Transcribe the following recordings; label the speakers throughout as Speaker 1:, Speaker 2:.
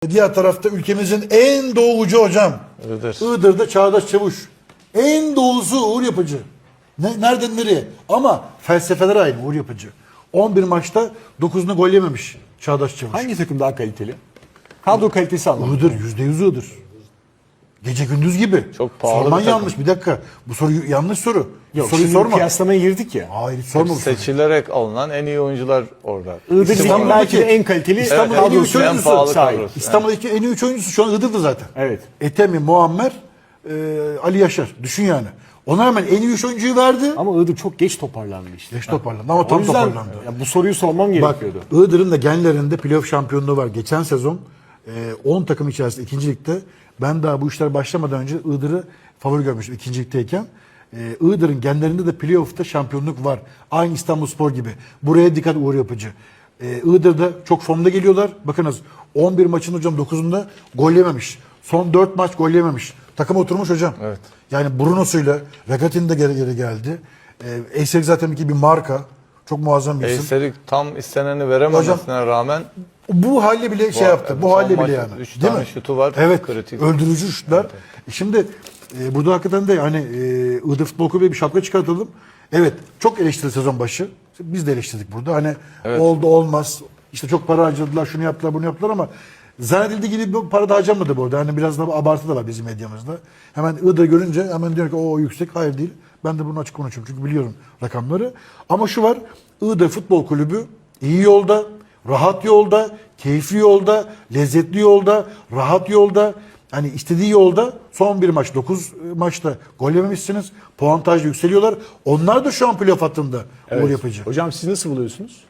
Speaker 1: Diğer tarafta ülkemizin en doğucu hocam. Iğdır'da Çağdaş Çavuş. En doğusu Uğur Yapıcı. Nereden nereye? Ama felsefeler aynı Uğur Yapıcı. 11 maçta 9'unu gol yememiş Çağdaş Çavuş.
Speaker 2: Hangi takım daha kaliteli? Kadro kalitesi anlamında.
Speaker 1: Iğdır, %100 Iğdır. Gece gündüz gibi.
Speaker 3: Çok pahalı
Speaker 1: Sorman
Speaker 3: bir takım.
Speaker 1: yanlış. Bir dakika. Bu soru yanlış soru.
Speaker 2: Yok,
Speaker 1: Soruyu
Speaker 2: şimdi
Speaker 1: sorma.
Speaker 2: kıyaslamaya girdik ya.
Speaker 1: Hayır hiç sorma bu soruyu.
Speaker 3: Seçilerek alınan en iyi oyuncular orada.
Speaker 2: Iğdır
Speaker 1: İstanbul'daki-
Speaker 2: belki de en kaliteli
Speaker 1: İstanbul'daki
Speaker 3: Evet,
Speaker 1: en iyi
Speaker 2: kadrosu.
Speaker 1: üç
Speaker 3: en
Speaker 1: oyuncusu
Speaker 3: pahalı
Speaker 2: sahip.
Speaker 3: kadrosu.
Speaker 1: İstanbul'daki en iyi 3 oyuncusu şu an Iğdır'da zaten.
Speaker 2: Evet.
Speaker 1: Etemi, Muammer, Ali Yaşar. Düşün yani. Ona rağmen en iyi 3 oyuncuyu verdi.
Speaker 2: Ama Iğdır çok geç toparlandı işte.
Speaker 1: Geç toparlandı ama
Speaker 2: O
Speaker 1: tam
Speaker 2: yüzden
Speaker 1: toparlandı.
Speaker 2: ya bu soruyu sormam
Speaker 1: Bak
Speaker 2: gerekiyordu.
Speaker 1: Iğdır'ın da genlerinde playoff şampiyonluğu var. Geçen sezon 10 takım içerisinde 2. ligde ben daha bu işler başlamadan önce Iğdır'ı favori görmüştüm 2. ligdeyken. Iğdır'ın genlerinde de playoff'ta şampiyonluk var. Aynı İstanbulspor gibi. Buraya dikkat Uğur Yapıcı. Iğdır'da çok formda geliyorlar. Bakınız 11 maçın hocam 9'unda gol yememiş. Son 4 maç gol yememiş. Takım oturmuş hocam.
Speaker 3: Evet.
Speaker 1: Yani Bruno'suyla Regatin de geri geldi. Eyserik zaten bir marka. Çok muazzam bir isim.
Speaker 3: Eyserik tam isteneni verememesine rağmen
Speaker 1: Bu halle bile şey yaptı. Bu
Speaker 3: son
Speaker 1: halle
Speaker 3: maç
Speaker 1: bile yani.
Speaker 3: 3
Speaker 1: Değil
Speaker 3: tane
Speaker 1: mi?
Speaker 3: şutu var.
Speaker 1: Evet.
Speaker 3: Kritik.
Speaker 1: Öldürücü şutlar. Şimdi burada hakikaten de hani Iğdır Futbol Kulübü'ne bir şapka çıkartalım. Evet. Çok eleştirdi sezon başı. Biz de eleştirdik burada. Hani oldu olmaz. İşte çok para harcadılar. Şunu yaptılar bunu yaptılar ama zannedildiği gibi bir para da harcamadı burada. Hani biraz da abartı da var bizim medyamızda. Hemen Iğdır görünce hemen diyor ki o yüksek. Hayır değil. Ben de bunu açık konuşuyorum. Çünkü biliyorum rakamları. Ama şu var. Iğdır Futbol Kulübü iyi yolda. Rahat yolda, keyifli yolda, lezzetli yolda, rahat yolda, hani istediği yolda son bir maç 9 maçta gol yememişsiniz. Puantaj yükseliyorlar. Onlar da şu an playoff hattında Uğur Yapıcı.
Speaker 2: Hocam siz nasıl buluyorsunuz?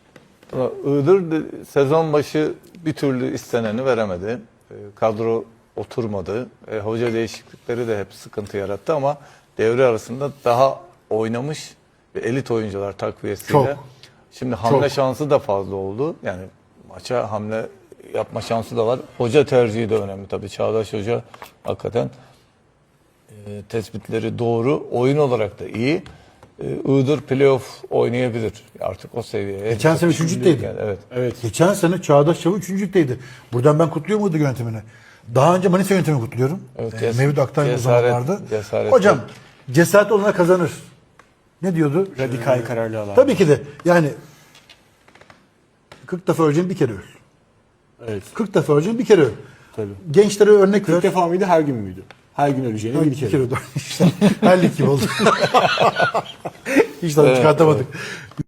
Speaker 3: Iğdır sezon başı bir türlü isteneni veremedi. Kadro oturmadı. Hoca değişiklikleri de hep sıkıntı yarattı ama devre arasında daha oynamış ve elit oyuncular takviyesiyle.
Speaker 1: Çok.
Speaker 3: Şimdi hamle
Speaker 1: Çok.
Speaker 3: şansı da fazla oldu. Yani maça hamle yapma şansı da var. Hoca tercihi de önemli tabii. Çağdaş Hoca hakikaten tespitleri doğru. Oyun olarak da iyi. Iğdır playoff oynayabilir. Artık o seviyeye.
Speaker 1: Geçen sene üçüncüydü.
Speaker 3: Yani, evet.
Speaker 1: Geçen sene Çağdaş Çavuş 3.'deydi. Buradan ben kutluyorum Iğdır yönetimini. Daha önce Manisa yönetimini kutluyorum.
Speaker 3: Evet,
Speaker 1: Mevlüt Aktay bu zamanlarda.
Speaker 3: cesaret.
Speaker 1: Hocam cesaret olana kazanır. Ne diyordu?
Speaker 2: Radikal kararlı alan.
Speaker 1: Tabii ki de yani 40 defa öleceğin bir kere öl.
Speaker 2: Evet.
Speaker 1: 40 defa öleceğin bir kere öl.
Speaker 2: Tabii.
Speaker 1: Gençlere örnek ver.
Speaker 2: 40 defa mıydı her gün müydü? Her gün öleceğine bir kere.
Speaker 1: öl. İşte her lig gibi oldu. Hiç tabii çıkartamadık.